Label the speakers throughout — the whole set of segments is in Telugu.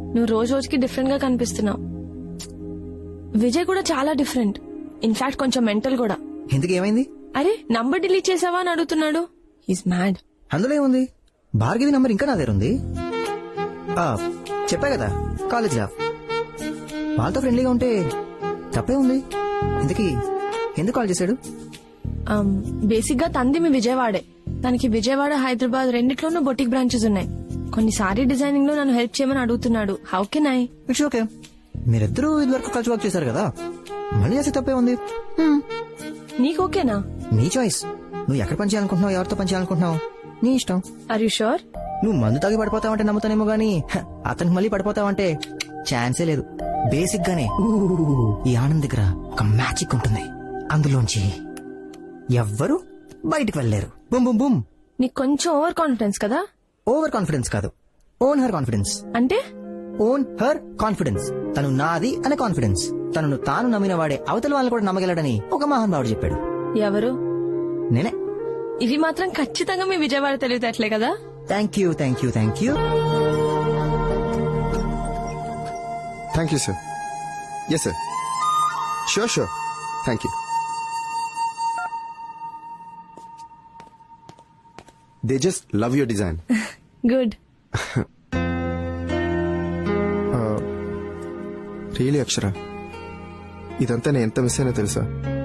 Speaker 1: నువ్వు రోజు రోజుకి డిఫరెంట్ గా కనిపిస్తున్నావు. విజయ్ కూడా చాలా డిఫరెంట్, ఇన్ఫాక్ట్ కొంచెం మెంటల్ కూడా.
Speaker 2: ఎందుకు ఏమైంది?
Speaker 1: అరే నంబర్ డిలీట్ చేసావా అని అడుగుతున్నాడు. He's mad.
Speaker 2: అందులో ఏముంది? భార్గవి నంబర్ ఇంకా నా దగ్గర ఉంది. చెప్పా కదా, కాలేజ్ రా. వాళ్ళతో ఫ్రెండ్లీగా ఉంటే తప్పే ఉంది. ఇంతకీ ఎందుకు కాల్ చేశాడు?
Speaker 1: బేసిక్ గా తంది మీ విజయవాడే. తనకి విజయవాడ, హైదరాబాద్ రెండిట్లోనూ బొటిక్ బ్రాంచెస్ ఉన్నాయి. కొన్ని సారీ డిజైనింగ్ లో నన్ను హెల్ప్ చేయమని అడుగుతున్నాడు. How can I?
Speaker 2: It's okay. మీరిద్దరూ ఇదివరకు కలిసి వర్క్ చేశారు కదా, మళ్ళీ చేస్తే తప్పే ఉంది.
Speaker 1: నీకు ఓకేనా?
Speaker 2: నీ చాయిస్. నువ్వు ఎక్కడ పని చేయాలనుకుంటున్నావు, ఎవరితో పని చేయాలనుకుంటున్నావు, నీ ఇష్టం.
Speaker 1: Are you sure?
Speaker 2: నువ్వు మందు తాగి పడిపోతావంటే నమ్ముతానేమో గానీ అతనికి మళ్ళీ పడిపోతావంటే ఛాన్సే లేదు. బేసిక్ గానే ఈ ఆనంద్ దగ్గర ఒక మ్యాజిక్ ఉంటుంది, అందులోంచి ఎవ్వరు బయటికి వెళ్ళలేరు. బుమ్ బుమ్ బుమ్.
Speaker 1: నీకు కొంచెం ఓవర్ కాన్ఫిడెన్స్ కదా?
Speaker 2: ఓవర్ కాన్ఫిడెన్స్ కాదు, ఓన్ హర్ కాన్ఫిడెన్స్.
Speaker 1: అంటే
Speaker 2: ఓన్ హర్ కాన్ఫిడెన్స్. తను నాది అనే కాన్ఫిడెన్స్. తనను తాను నమ్మిన వాడే అవతల వాళ్ళని కూడా నమ్మగలడని ఒక మహానుభావుడు చెప్పాడు.
Speaker 1: ఎవరు?
Speaker 2: నేనే.
Speaker 1: ఇవి మాత్రం ఖచ్చితంగా మీ విజయవాడ తెలివితేటలే కదా?
Speaker 2: Thank you, thank you, thank you.
Speaker 3: Thank you, sir. Yes, sir. Sure. Thank you. They just love your design.
Speaker 1: Good.
Speaker 3: Really Akshara, ఇదంతా నేను ఎంత మిస్ అయినా తెలుసా?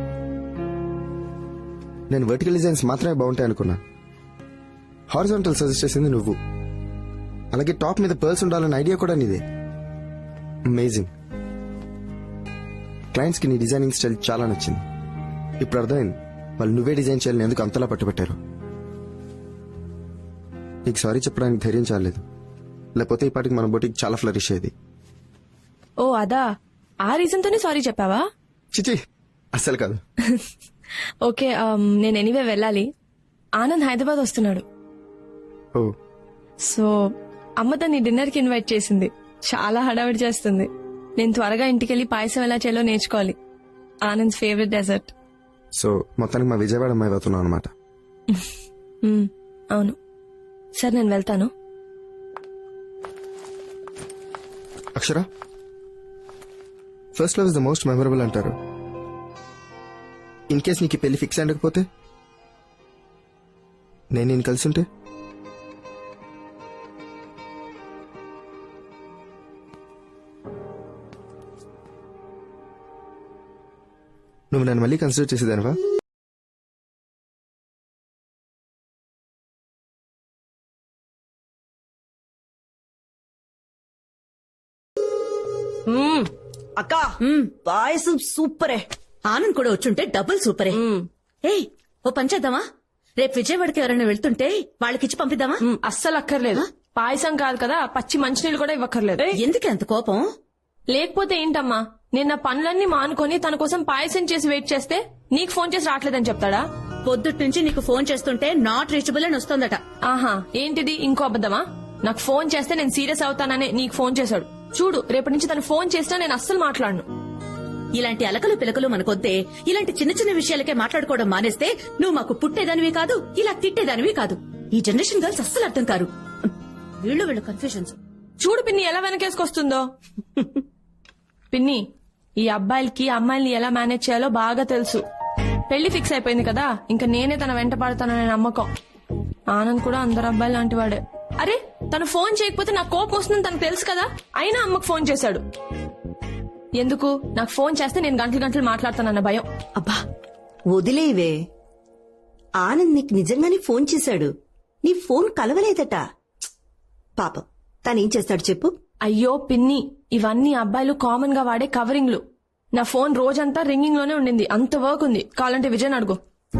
Speaker 3: నేను వర్టికల్ డిజైన్స్ మాత్రమే బాగుంటాయి అనుకున్నా. హారిజాంటల్ సజెస్ట్ చేసింది నువ్వు. అలాగే టాప్ మీద పర్ల్స్ ఉండాలన్న ఐడియా కూడా నీదే. అమేజింగ్. క్లయింట్స్ కి నీ డిజైనింగ్ స్టైల్ చాలా నచ్చింది. ఇప్పుడు అర్థమైంది వాళ్ళు నువ్వే డిజైన్ చేయాలని ఎందుకు అంతలా పట్టుబట్టారు. నీకు సారీ చెప్పడానికి ధైర్యం చాలేదు, లేకపోతే ఈ పాటికి మన బొటికి చాలా ఫ్లరిష్ అయ్యేది.
Speaker 1: ఓ అదా, ఆ రీజన్ తోనే సారీ చెప్పావా?
Speaker 3: చిచి, అస్సలు కాదు.
Speaker 1: ఓకే, నేను ఎనీవే వెళ్ళాలి. ఆనంద్ హైదరాబాద్ వస్తున్నాడు.
Speaker 3: ఓ,
Speaker 1: సో అమ్మ తన్ని డిన్నర్ కి ఇన్వైట్ చేసింది. చాలా హడావిడి చేస్తుంది. నేను త్వరగా ఇంటికెళ్లి పాయసం ఎలా చేయాలో నేర్చుకోవాలి. Anand favourite dessert.
Speaker 3: సో మొత్తానికి మా విజయవాడ అమ్మాయి అవుతున్నావు అనమాట.
Speaker 1: అవును. సరే నేను వెళ్తాను.
Speaker 3: Akshara, first love is the most memorable అంటారు. ఇన్ కేస్ నీకు పెళ్లి ఫిక్స్ అయ్యకపోతే, నేను కలిసి ఉంటే, నువ్వు నన్ను మళ్ళీ కన్సిడర్ చేసేదానివా?
Speaker 4: అక్కా, పాయసం సూపరే.
Speaker 5: ఆనంద్ కూడా వచ్చుంటే డబుల్ సూపరే. ఏయ్, ఓ పని చేద్దామా? రేపు విజయవాడకి ఎవరైనా వెళ్తుంటే వాళ్ళకిచ్చి పంపిద్దామా?
Speaker 1: అస్సలు అక్కర్లేదు. పాయసం కాదు కదా, పచ్చి మంచినీళ్ళు కూడా ఇవ్వక్కర్లేదు.
Speaker 5: ఎందుకు అంత కోపం?
Speaker 1: లేకపోతే ఏంటమ్మా, నేను నా పనులన్నీ మానుకొని తన కోసం పాయసం చేసి వెయిట్ చేస్తే నీకు ఫోన్ చేసి రావట్లేదని చెప్తాడా?
Speaker 5: పొద్దుట్ నుంచి నీకు ఫోన్ చేస్తుంటే నాట్ రీచబుల్ అని వస్తోందట.
Speaker 1: ఆహా, ఏంటిది ఇంకో అబద్దమా? నాకు ఫోన్ చేస్తే నేను సీరియస్ అవుతాననే నీకు ఫోన్ చేశాడు. చూడు, రేపటి నుంచి తను ఫోన్ చేసినా నేను అస్సలు మాట్లాడను.
Speaker 5: ఇలాంటి అలకలు పిలకలు మనకొద్దే. ఇలాంటి చిన్న చిన్న విషయాలకే మాట్లాడుకోవడం మానేస్తే నువ్వు మాకు పుట్టేదానివి కాదు, ఇలా తిట్టేదానివి కాదు. ఈ జనరేషన్ గర్ల్స్ అస్సలు అర్థం కారు. వీళ్ళు కన్ఫ్యూజన్స్.
Speaker 1: చూడు పిన్ని ఎలా వెనకేసుకొస్తుందో. పిన్ని, ఈ అబ్బాయిలకి అమ్మాయిల్ని ఎలా మేనేజ్ చేయాలో బాగా తెలుసు. పెళ్లి ఫిక్స్ అయిపోయింది కదా, ఇంకా నేనే తన వెంట పడతాననే నమ్మకం. ఆనంద్ కూడా అందరు అబ్బాయిలు లాంటి వాడే. అరే, తను ఫోన్ చేయకపోతే నాకు కోపం వస్తుందని తనకు తెలుసు కదా, అయినా అమ్మకు ఫోన్ చేశాడు. ఎందుకు? నాకు ఫోన్ చేస్తే నేను గంటలు మాట్లాడతానన్న భయం.
Speaker 4: అబ్బా వదిలేవే. ఆనంద్ నీకు నిజంగానే ఫోన్ చేశాడు. నీ ఫోన్ కలవలేదట. పాపం, తనేం చేస్తాడు చెప్పు?
Speaker 1: అయ్యో పిన్ని, ఇవన్నీ అబ్బాయిలు కామన్ గా వాడే కవరింగ్లు. నా ఫోన్ రోజంతా రింగింగ్ లోనే ఉండింది. అంత వర్క్ ఉంది. కావాలంటే విజయ్ అడుగు.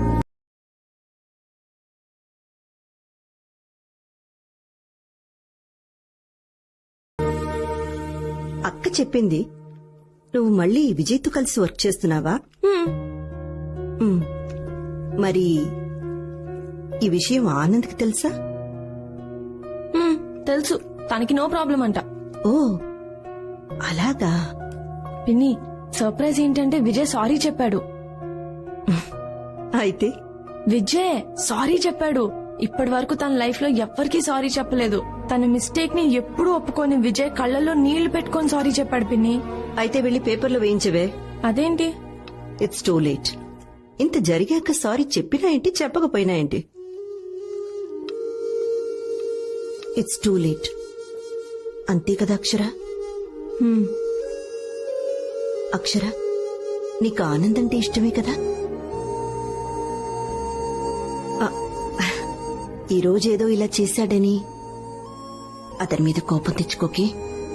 Speaker 4: అక్క చెప్పింది నువ్వు మళ్ళీ విజయ్తో కలిసి వర్క్ చేస్తున్నావా? మరి ఈ విషయం ఆనంద్కి తెలుసా?
Speaker 1: తెలుసు, తనకి నో ప్రాబ్లం అంట.
Speaker 4: ఓ అలాగా.
Speaker 1: పిన్ని, సర్ప్రైజ్ ఏంటంటే విజయ్ సారీ చెప్పాడు.
Speaker 4: అయితే
Speaker 1: విజయ్ సారీ చెప్పాడు. ఇప్పటి వరకు తన లైఫ్ లో ఎవ్వరికీ సారీ చెప్పలేదు. తన మిస్టేక్ ని ఎప్పుడూ ఒప్పుకొని విజయ్ కళ్ళల్లో నీళ్లు పెట్టుకొని సారీ చెప్పాడు పిన్ని.
Speaker 4: అయితే వెళ్ళి పేపర్లో వేయించవే.
Speaker 1: అదేంటి?
Speaker 4: It's too late. ఇంత జరిగాక సారీ చెప్పినా ఏంటి చెప్పకపోయినా ఏంటి? It's too late. అంతే కదా అక్షర? అక్షర, నీకు ఆనంద్ అంటే ఇష్టమే కదా? ఈ రోజేదో ఇలా చేశాడని అతని మీద కోపం తెచ్చుకోకి.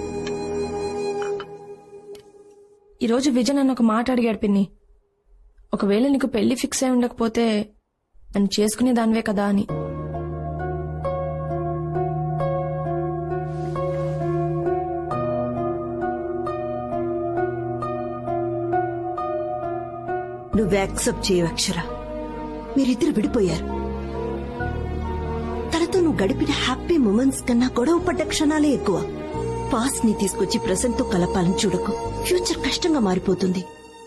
Speaker 1: ఈ రోజు విజయ్ నన్ను ఒక మాట అడిగాడు పిన్ని. ఒకవేళ నీకు పెళ్లి ఫిక్స్ అయి ఉండకపోతే నన్ను చేసుకునే దానివే కదా అని.
Speaker 4: నువ్వు యాక్సెప్ట్ చేయవు అక్షర. మీరిద్దరు విడిపోయారు. తనతో నువ్వు గడిపిన హ్యాపీ మూమెంట్స్ కన్నా గొడవ పడ్డ క్షణాలే ఎక్కువ. పాస్ట్ ని తీసుకొచ్చి ప్రెసెంట్ తో కలపాలని చూడకు. ఫ్యూచర్ కష్టంగా మారిపోతుంది.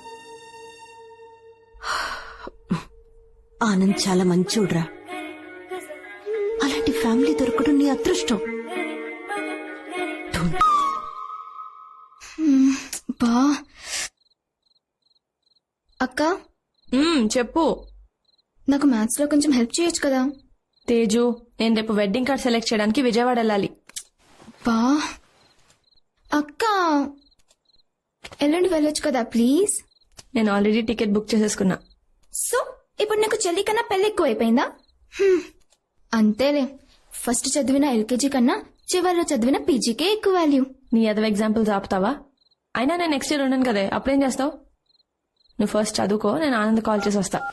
Speaker 4: ఆనంద్ చాలా మంచోడ్రా. అలాంటి ఫ్యామిలీ దొరకడం నీ అదృష్టం.
Speaker 6: బా అక్క,
Speaker 1: చెప్పు.
Speaker 6: నాకు మ్యాథ్స్ లో కొంచెం హెల్ప్ చేయొచ్చు కదా?
Speaker 1: తేజు, నేను రేపు వెడ్డింగ్ కార్డ్ సెలెక్ట్ చేయడానికి విజయవాడ వెళ్ళాలి.
Speaker 6: బా అక్క, ఎల్లుండి వెళ్ళొచ్చు కదా ప్లీజ్?
Speaker 1: నేను ఆల్రెడీ టికెట్ బుక్ చేసేసుకున్నా.
Speaker 6: సో ఇప్పుడు నీకు చెల్లి కన్నా పెళ్లి ఎక్కువ అయిపోయిందా? అంతేలే, ఫస్ట్ చదివిన ఎల్కేజీ కన్నా చివరిలో చదివిన పీజీకే ఎక్కువ వాల్యూ.
Speaker 1: నీ అదవ ఎగ్జాంపుల్స్ ఆపుతావా? అయినా నేను నెక్స్ట్ ఇయర్ ఉన్నాను కదే, అప్పుడేం చేస్తావు? నువ్వు ఫస్ట్ చదువుకో, నేను ఆనంద్ కాల్ చేసి వస్తా.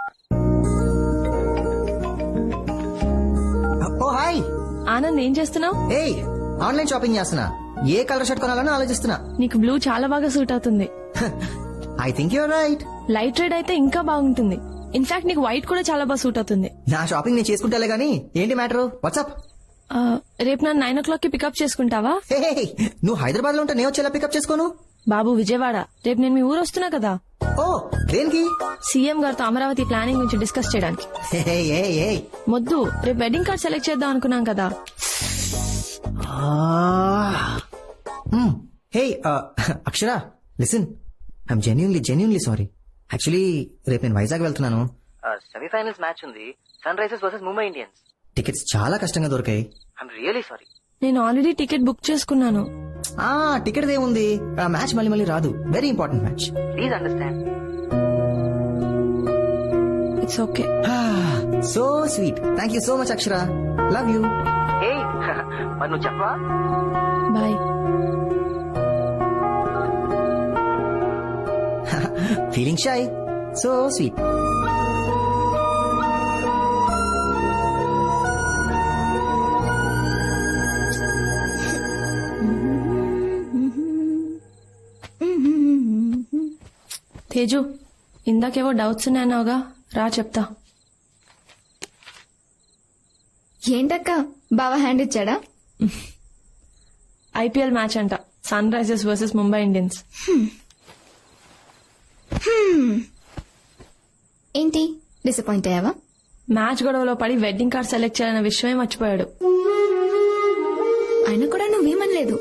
Speaker 2: ఓ హాయ్
Speaker 1: ఆనంద్, ఏం చేస్తున్నావు?
Speaker 2: ఏయ్, ఆన్లైన్ షాపింగ్ చేస్తున్నా. ఏ కలర్ షర్ట్ కొనాలని ఆలోచిస్తున్నా.
Speaker 1: నీకు బ్లూ చాలా బాగా సూట్ అవుతుంది.
Speaker 2: I think your right.
Speaker 1: Light red అయితే ఇంకా బాగుంటుంది. ఇన్ఫాక్ట్ నీకు వైట్ కూడా చాలా బాగా సూట్ అవుతుంది.
Speaker 2: నా షాపింగ్ నేను చేసుకుంటాలే గానీ ఏంటి మ్యాటర్? వాట్సాప్?
Speaker 1: రేపు నన్ను 9 o'clock కి పికప్ చేసుకుంటావా?
Speaker 2: నువ్వు హైదరాబాద్ లో ఉంటే నేను వచ్చేలా పికప్ చేసుకోను.
Speaker 1: బాబు విజయవాడ, రేపు నేను మీ ఊరు వస్తున్నా కదా.
Speaker 2: ఓ, దేనికి?
Speaker 1: సీఎం గారితో అమరావతి ప్లానింగ్ గురించి డిస్కస్ చేయడానికి. మొద్దు, రేపు వెడ్డింగ్ కార్డ్ సెలెక్ట్ చేద్దాం అనుకున్నాం కదా.
Speaker 2: Hey Akshara, listen, I'm genuinely sorry. Actually రేపు నేను వైజాగ్ వెళ్తున్నాను. సెమీఫైనల్స్ మ్యాచ్ ఉంది, Sunrisers versus Mumbai Indians. Tickets చాలా కష్టంగా దొరికాయి. I'm really sorry.
Speaker 1: నేను ఆల్రెడీ టికెట్ బుక్ చేసుకున్నాను.
Speaker 2: టికెట్ ఏముంది, మ్యాచ్ మళ్ళీ రాదు. Very important match. Please understand.
Speaker 1: It's okay.
Speaker 2: So sweet. Thank you so much Akshara. Love you. మరి నువ్వు చెప్పవా?
Speaker 1: Bye.
Speaker 2: Feeling shy. So sweet.
Speaker 1: Teju, ఇందాకేవో డౌట్స్ ఉన్నాయన్నావుగా, రా చెప్తా.
Speaker 6: ఏంటక్క, బావా హ్యాండ్ ఇచ్చాడా?
Speaker 1: ఐపీఎల్ మ్యాచ్ అంట, Sunrisers versus Mumbai Indians.
Speaker 6: ఏంటి, డిసప్పాయింట్ అయ్యావా?
Speaker 1: మ్యాచ్ గొడవలో పడి వెడ్డింగ్ కార్డ్ సెలెక్ట్ చేయాలన్న విషయమే మర్చిపోయాడు.
Speaker 6: ఆయన కూడా నువ్వేమనలేదు.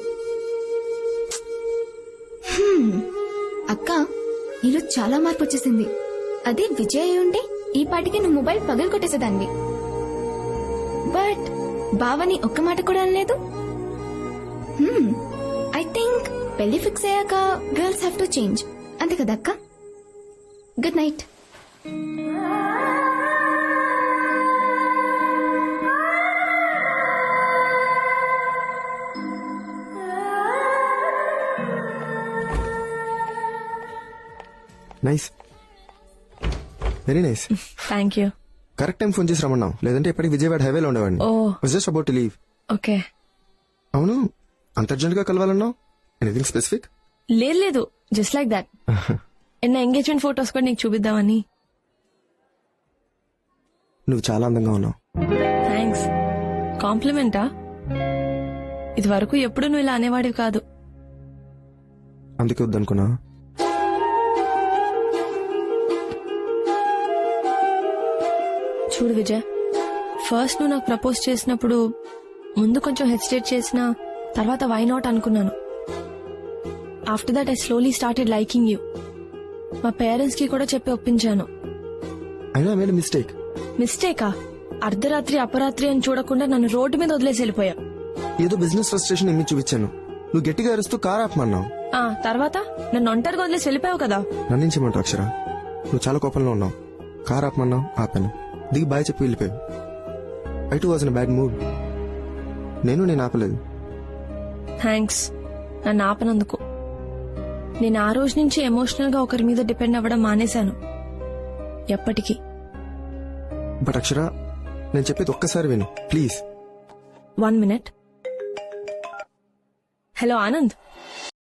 Speaker 6: అక్క, నీలో చాలా మార్పు వచ్చేసింది. అదే విజయ్ అయి ఉంటే ఈ పాటికి నువ్వు మొబైల్ పగలు కొట్టేసేదాన్ని. బట్ బావని ఒక్క మాట కూడా అనలేదు. ఐ థింక్ పెళ్లి ఫిక్స్ అయ్యాక గర్ల్స్ హ్యావ్ టు చేంజ్, అంతే కదా అక్క? Good night.
Speaker 3: Nice, very nice.
Speaker 1: Thank you.
Speaker 3: Correct time phone చేసి రమ్మన్నావు, లేదంటే ఇప్పటికి విజయవాడ హైవేలో ఉండేవాడిని. Just about to leave.
Speaker 1: Okay.
Speaker 3: అవును, అంత అర్జెంట్ గా కలవాలన్నావు? Anything specific?
Speaker 1: లేదు, జస్ట్ లైక్ దాట్. నా ఎంగేజ్మెంట్ ఫొటోస్ కూడా నీకు చూపిద్దామని.
Speaker 3: నువ్వు చాలా అందంగా ఉన్నావు.
Speaker 1: థ్యాంక్స్. కాంప్లిమెంటా? ఇది వరకు ఎప్పుడు నువ్వు ఇలా అనేవాడివి కాదు.
Speaker 3: అందుకే వద్దనుకున్నా.
Speaker 1: చూడు విజయ్, ఫస్ట్ నువ్వు నాకు ప్రపోజ్ చేసినప్పుడు ముందు కొంచెం హెసిటేట్ చేసిన తర్వాత వై నాట్ అనుకున్నాను. After that I slowly started liking you. మా పేరెంట్స్ కి కూడా చెప్పి ఒప్పించాను.
Speaker 3: అయినా మేడ్ మిస్టేక్.
Speaker 1: మిస్టేకా? అర్ధరాత్రి అపరాత్రి అని చూడకుండా నన్ను రోడ్డు మీద వదిలేసి వెళ్ళిపోయా.
Speaker 3: ఏదో బిజినెస్ ఫ్రస్ట్రేషన్ ఏమి చూపించాను. నువ్వు గట్టిగా అరుస్తూ కార్ ఆపమన్నావు.
Speaker 1: తర్వాత నన్ను ఒంటరిగా వదిలేసి వెళ్ళిపోయావు కదా.
Speaker 3: నన్నించమంటావు అక్షర. నువ్వు చాలా కోపంలో ఉన్నావు. కార్ ఆపమన్నావు, ఆపాను. దిగి బాయ్ చెప్పి వెళ్ళిపోయావు. I too was in bad mood. నేను ఆపలేదు.
Speaker 1: థ్యాంక్స్ నన్ను ఆపనందుకు. నేను ఆ రోజు నుంచి ఎమోషనల్ గా ఒకరి మీద డిపెండ్ అవ్వడం మానేశాను. ఎప్పటికీ.
Speaker 3: బట్ అక్షర, నేను చెప్పేది ఒక్కసారి విను ప్లీజ్.
Speaker 1: 1 minute. హలో ఆనంద్.